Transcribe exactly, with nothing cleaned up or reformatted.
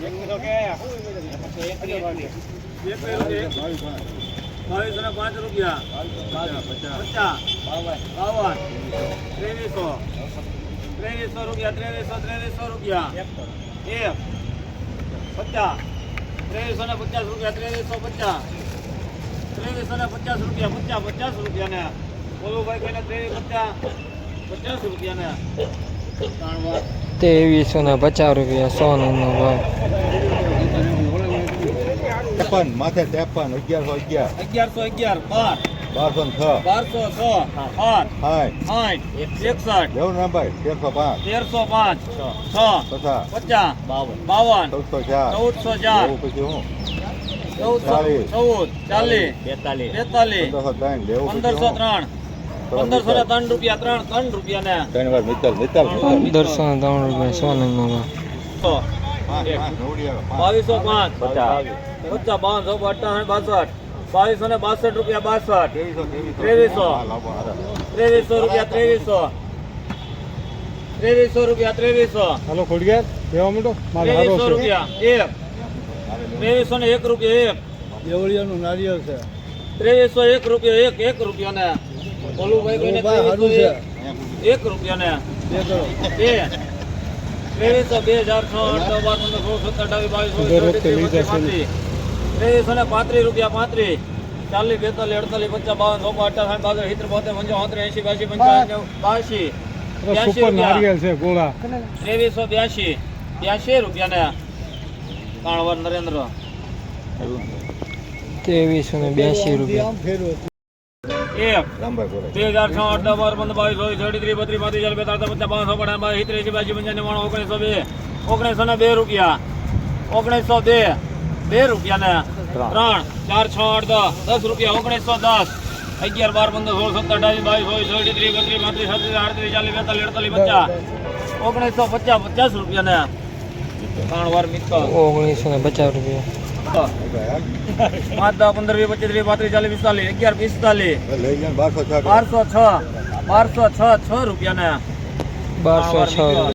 બાવીસો ને પાંચ રૂપિયા પચાસ બાવન ત્રેવીસો ત્રેવીસો રૂપિયા ત્રેવીસો ત્રેવીસો રૂપિયા એક પચાસ ત્રેવીસો ને પચાસ રૂપિયા ત્રેવીસો પચાસ ત્રેવીસો ને પચાસ રૂપિયા પચાસ પચાસ રૂપિયા ને બોલું ભાઈ કહીને ત્રેવીસ પચાસ પચાસ રૂપિયા ને ત્રેવીસો ને પચાસ રૂપિયા સોનાનો ભાવ. ત્રેપન માથે ત્રેપન અગિયારસો અગિયાર અગિયારસો અગિયાર બાર બારસો ને છ બારસો છ આઠ સાઠ સાઠ એકસઠ લેવું ને ભાઈ તેરસો પાંચ તેરસો પાંચ છ પચાસ પચાસ બાવન ચૌદસો ચાર ચૌદસો ચાર લેવું પછી હું ચૌદસો ચાલીસ. ચૌદ ચાલીસ બેતાલીસ બેતાલીસ પંદરસો ત્રણ લેવું પછી પંદરસો હું ત્રણ પંદરસો ને ત્રણ રૂપિયા ત્રણ ત્રણ રૂપિયા ને ત્રણ વાર મિત્તલ મિત્તલ પંદરસો ને ત્રણ રૂપિયા સોનાનો ભાવ. સો પાંચ પાંચ નવડિયા પાંચ બાવીસો પાંચ પચાસ પચાસ બાવન સો અઠ્ઠાવન બાસઠ બાવીસો ને બાસઠ રૂપિયા બાસઠ ત્રેવીસો ત્રેવીસો. હા, લાવો, હાલો. ત્રેવીસો રૂપિયા ત્રેવીસો ત્રેવીસો રૂપિયા ત્રેવીસો હાલો ખોડિયાર દેવા માંડો મારે હારો ત્રેવીસો છે રૂપિયા એક ત્રેવીસો ને એક રૂપિયા એક દેવળિયાનું નારિયેળ છે ત્રેવીસો એક રૂપિયા એક એક રૂપિયા ને ઓલું ભાઈ કોઈને ભાઈ હારું ત્રેવીસો છે એક એક રૂપિયા ને બે કરો બે ત્રેવીસો બે હજાર છ આઠ નવ બાર પંદર સોળ સત્તર અઠાવીસ બાવીસ દર ચોવીસ વખતે લઈ પચીસ જશે ને. પાંત્રીસ ત્રેવીસો ને પાંત્રીસ રૂપિયા પાંત્રીસ ચાલીસ બેતાલીસ અડતાલીસ પચાસ બાવન ચોપન અઠાવન બાસઠ સિત્તેર બોતેર પંચાવન ત્રેસી એસી બ્યાસી પંચાવન બાસી બ્યાસી સુપર રૂપિયા નારિયેળ છે ગોળા ત્રેવીસો બ્યાસી બ્યાસી રૂપિયા ને કાણવર નરેન્દ્ર ત્રેવીસો ને બ્યાસી રૂપિયા. એક રામભાઈ બોલે બે હજાર છ આઠ દસ બાર પંદર બાવીસ ચોવીસ અડત્રીસ બત્રીસ પાંત્રીસ ચાલીસ બેતાલીસ પચાસ બાવન પચાસ સિત્તેર એસી બ્યાસી પંચાવન નવ્વાણું ઓગણીસો બે ઓગણીસો ને બે રૂપિયા ઓગણીસો બે બે રૂપિયા ને ત્રણ ચાર છ આઠ દસ દસ રૂપિયા ઓગણીસો દસ અગિયાર બાર પંદર સોળ સત્તર અઢાવીસ બાવીસ ચોવીસ ચોવીસ ત્રીસ બત્રીસ પાંત્રીસ છત્રીસ આડત્રીસ ચાલીસ બેતાલીસ અડતાલીસ પચાસ ઓગણીસો પચાસ પચાસ રૂપિયા ને ત્રણ વાર મિત્ર ઓગણીસો ને પચાસ રૂપિયા. પાંચ દસ પંદર વીસ પચીસ ત્રીસ પાંત્રીસ ચાલીસ પિસ્તાલીસ અગિયાર પિસ્તાલીસ લઈ જાય બારસો છ બારસો છ બારસો છ છ રૂપિયા ને બારસો છ રૂપિયા.